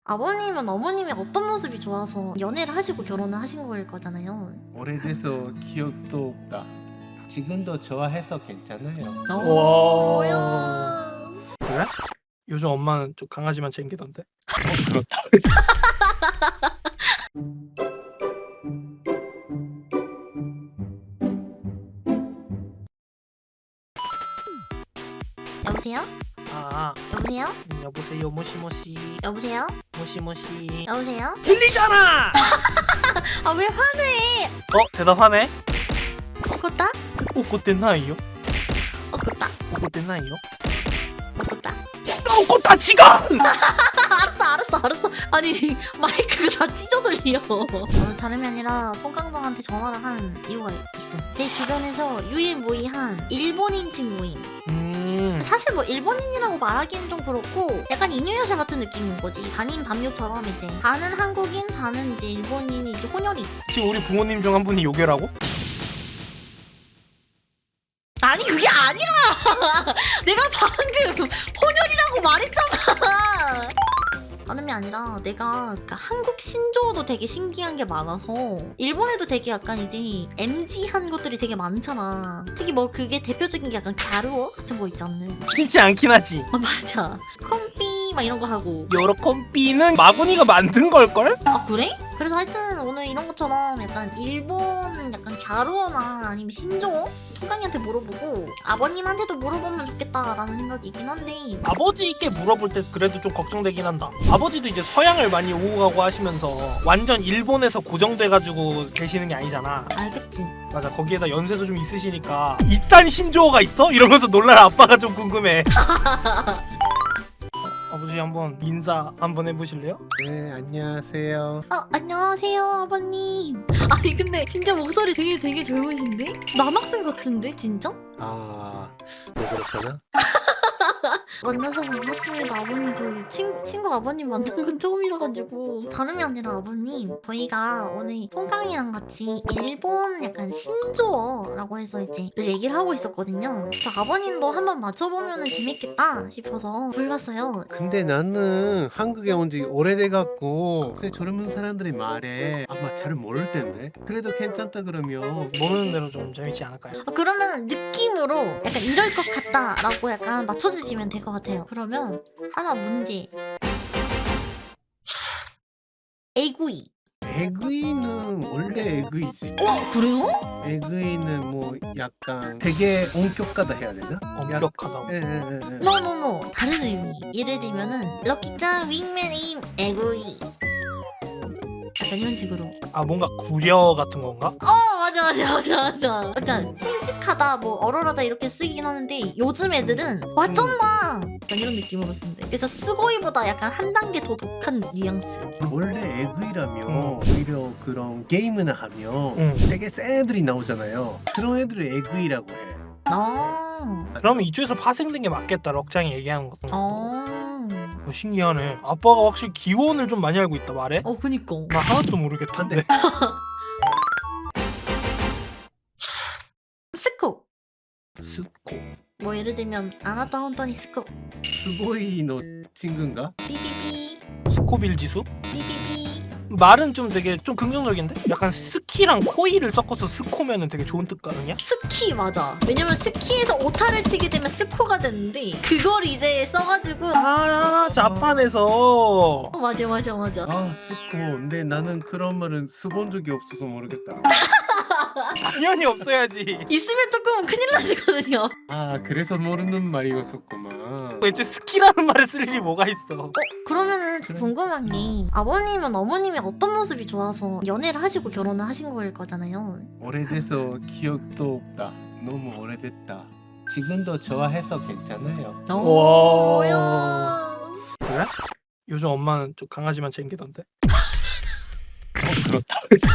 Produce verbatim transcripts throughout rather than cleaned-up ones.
아버님은 어머님의 어떤 모습이 좋아서 연애를 하시고 결혼을 하신 거일 거잖아요. 오래돼서 기억도 없다. 지금도 좋아해서 괜찮아요. 오, 와. 뭐야? 그래? 요즘 엄마는 좀 강아지만 챙기던데. 좀 그렇다. 여보세요? 아, 여보세요? 음, 여보세요, 모시모시, 여보세요? 모시모시. 여보세요? 들리잖아. 아 왜 화내? 어, 대답하네. 어꼬따? 오꼬땠나요? 어꼬따? 오꼬땠나요? 어꼬따? 오꼬따 지금. 알았어 알았어 알았어. 아니 마이크가 다 찢어 들려. 어, 다름이 아니라 통깡방한테 전화를 한 이유가 있어. 제 주변에서 유일무이한 일본인 친구임. 음, 사실 뭐 일본인이라고 말하기엔 좀 그렇고 약간 이누야샤 같은 느낌인 거지. 반인 반묘처럼 이제 반은 한국인 반은 이제 일본인이 이제 혼혈이 있지. 지금 우리 부모님 중 한 분이 요괴라고? 아니 그게 아니라 내가 방금 혼혈이라고 말했잖아. 다름이 아니라 내가 그러니까 한국 신조어도 되게 신기한 게 많아서 일본에도 되게 약간 이제 엠지한 것들이 되게 많잖아. 특히 뭐 그게 대표적인 게 약간 갸루어 같은 거 있잖아. 쉽지 않긴 하지. 아 맞아. 컴삐 막 이런 거 하고. 여러 컴비는 마구니가 만든 걸걸? 아 그래? 그래서 하여튼 오늘 이런 것처럼 약간 일본은 약간 갸루어나 아니면 신조어? 통강이한테 물어보고 아버님한테도 물어보면 좋겠다라는 생각이긴 한데 아버지께 물어볼 때 그래도 좀 걱정되긴 한다. 아버지도 이제 서양을 많이 오고 가고 하시면서 완전 일본에서 고정돼가지고 계시는 게 아니잖아. 알겠지? 맞아, 거기에다 연세도 좀 있으시니까 이딴 신조어가 있어? 이러면서 놀랄 아빠가 좀 궁금해. 아버지 한번 인사 한번 해보실래요? 네, 안녕하세요. 어 안녕하세요 아버님. 아니 근데 진짜 목소리 되게 되게 젊으신데? 남학생 같은데 진짜? 아, 왜 그렇구나? 만나서 반갑습니다 아버님. 저희 친구, 친구 아버님 만난 건 처음이라가지고. 다름이 아니라 아버님 저희가 오늘 통깡이랑 같이 일본 약간 신조어라고 해서 이제 얘기를 하고 있었거든요. 그래서 아버님도 한번 맞춰보면 재밌겠다 싶어서 불렀어요. 근데 나는 한국에 온 지 오래돼갖고 요새 젊은 사람들이 말해 아마 잘 모를 텐데. 그래도 괜찮다 그러면 모르는 대로 좀 재밌지 않을까요? 아, 그러면 느낌으로 약간 이럴 것 같다라고 약간 맞춰주시면 될 것 같아요. 그러면 하나 문제. 에구이. 에그이는 원래 에그이지. 어 그래요? 에그이는 뭐 약간 되게 엄격하다 해야 되나? 엄격하다고. 예예예. 노노노 다른 의미. 예를 들면은 럭키짱 윙맨임 에구이. 약간 이런 식으로. 아, 뭔가 구려 같은 건가? 어 맞아 맞아 맞아 맞아. 약간 끔찍하다 뭐 얼얼하다 이렇게 쓰긴 하는데 요즘 애들은 와쩐다 약간 이런 느낌으로 쓴대. 그래서 스고이보다 약간 한 단계 더 독한 뉘앙스. 원래 에그이라면 음. 오히려 그런 게임이나 하면 응. 되게 센 애들이 나오잖아요. 그런 애들을 에그이라고 해. 아. 그러면 이쪽에서 파생된 게 맞겠다. 럭장이 얘기하는 거. 어. 어, 신기하네. 아빠가 확실히 기원을 좀 많이 알고 있다 말해. 어 그니까. 나 하나도 모르겠던데. 스코. 스코. 뭐 예를 들면 아나타 혼토니 스코. 스고이노 친구인가? 삐삐삐. 스코빌 지수? 삐삐삐. 말은 좀 되게 좀 긍정적인데? 약간 스키랑 코이를 섞어서 스코면은 되게 좋은 뜻 아니야? 스키 맞아. 왜냐면 스키에서 오타를 치게 되면 스코가 되는데 그걸 이제 써가지고 아, 자판에서. 어, 맞아 맞아 맞아. 아 스코. 근데 나는 그런 말은 써본 적이 없어서 모르겠다. 당연히 없어야지. 있으면 조금 큰일 나시거든요. 아 그래서 모르는 말이었었구만. 애초에 스키라는 말을 쓸 일이 뭐가 있어. 어, 그러면은 저 궁금한 게 아버님은 어머님의 어떤 모습이 좋아서 연애를 하시고 결혼을 하신 거일 거잖아요. 오래돼서 기억도 없다. 너무 오래됐다. 지금도 좋아해서 괜찮아요. 오, 와. 뭐야? 그래? 요즘 엄마는 좀 강아지만 챙기던데. 좀 그렇다.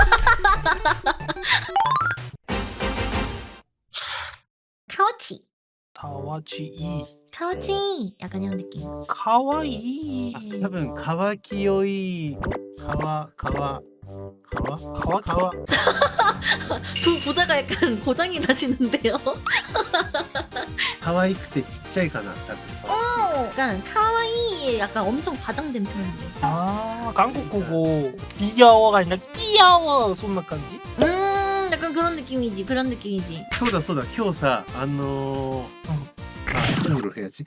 카오치. 다와지이. 카오치. 약간 이런 느낌. 카와이. 아,多分 가와키요이. 가와 가와 가와 가와 가와. 두 부자가 약간 고장이 나시는데요. 가와이크테 ちっちゃいかな多分. 오, 약간 카와이에 약간 엄청 과장된 표현이에요. 아 한국어고 귀여워가 아니라 귀여워 손맛간지? 음 약간 그런 느낌이지 그런 느낌이지. そうだそうだ今日さあのー 아 통으로 해야지.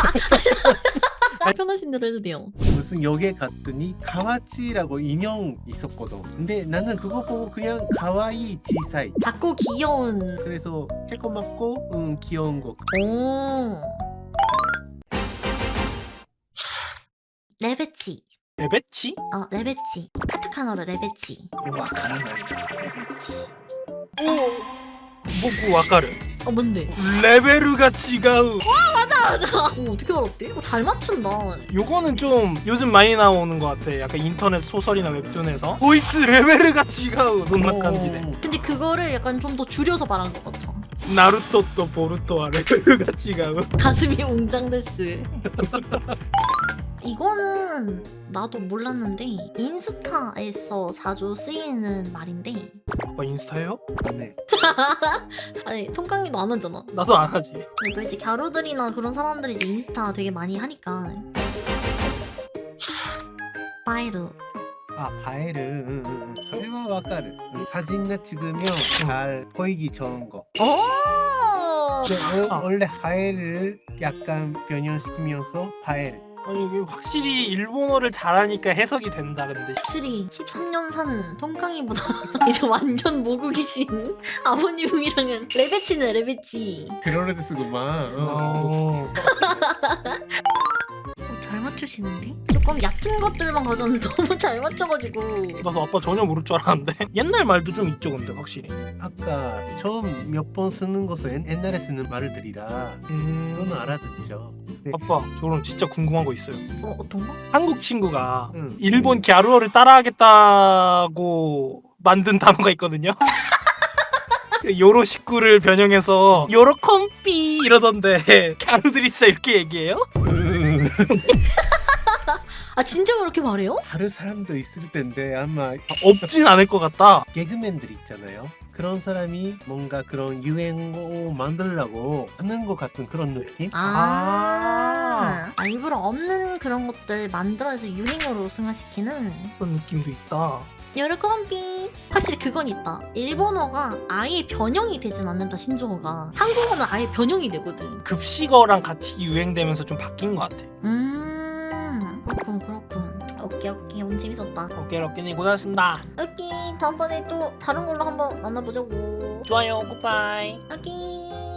편하신 대로 해도 돼요. 무슨 역에 갔더니 가와치라고 인형 있었거든. 근데 나는 그거 보고 그냥 가와이 지사이. 작고 귀여운. 그래서 조그맣고 응 귀여운 거. 오. 레베치. 레베치? 어 레베치. 카타카나로 레베치. 와 가능하다 레베치. 오 뭐고 와카르. 어 뭔데? 레벨가違う. 맞아 맞아. 오 어떻게 알았대? 어, 잘 맞춘다. 요거는 좀 요즘 많이 나오는 것 같아. 약간 인터넷 소설이나 웹툰에서 도이츠 레벨가違う 손맛간지네. 근데 그거를 약간 좀 더 줄여서 말한 것 같아. 나루토 또 보루토와 레벨가違う. 가슴이 웅장됐스. 이거는 나도 몰랐는데 인스타에서 자주 쓰이는 말인데 어 인스타요? 네. 아니 통깡이도 안 하잖아. 나도 안 하지. 근데 또 이제 갸루들이나 그런 사람들이 이제 인스타 되게 많이 하니까. 파이르. 아 바에르. 응, 응, 응. それはわかる. 응, 사진을 찍으면 잘 보이기 좋은 거. 오. 근데 어, 아. 원래 하에를 약간 변형시키면서 바에르. 아니 이게 확실히 일본어를 잘하니까 해석이 된다. 근데 확실히 십삼 년 산 통깡이보다 이제 완전 모국이신 아버님이랑은 레베치네 레베치. 그러레데스구만. 어. 어... 어, 잘 맞추시는데? 조금 얕은 것들만 가져왔는데 너무 잘 맞춰가지고. 나도 아빠 전혀 모를 줄 알았는데 옛날 말도 좀 있죠 근데 확실히. 아까 처음 몇 번 쓰는 것은 옛날에 쓰는 말들이라 음... 그거는 알아듣죠. 네. 아빠 저는 진짜 궁금한 거 있어요. 어 어떤 거? 한국 친구가 응. 일본 갸루어를 따라하겠다고 만든 단어가 있거든요. 요로시쿠를 변형해서 요로컴피 이러던데 갸루들이 진짜 이렇게 얘기해요? 아 진짜 그렇게 말해요? 다른 사람도 있을 텐데 아마 없진 않을 것 같다. 개그맨들 있잖아요. 그런 사람이 뭔가 그런 유행어 만들려고 하는 것 같은 그런 느낌? 아, 아 일부러 없는 그런 것들 만들어서 유행어로 승화시키는. 그런 느낌도 있다. 여러컴비. 확실히 그건 있다. 일본어가 아예 변형이 되진 않는다 신조어가. 한국어는 아예 변형이 되거든. 급식어랑 같이 유행되면서 좀 바뀐 것 같아. 음 그렇군 그렇군. 오케이 오케이 오늘 재밌었다. 오케이 럭키님 고생하셨습니다. 오케이 다음번에 또 다른 걸로 한번 만나보자고. 좋아요 굿바이. 오케이.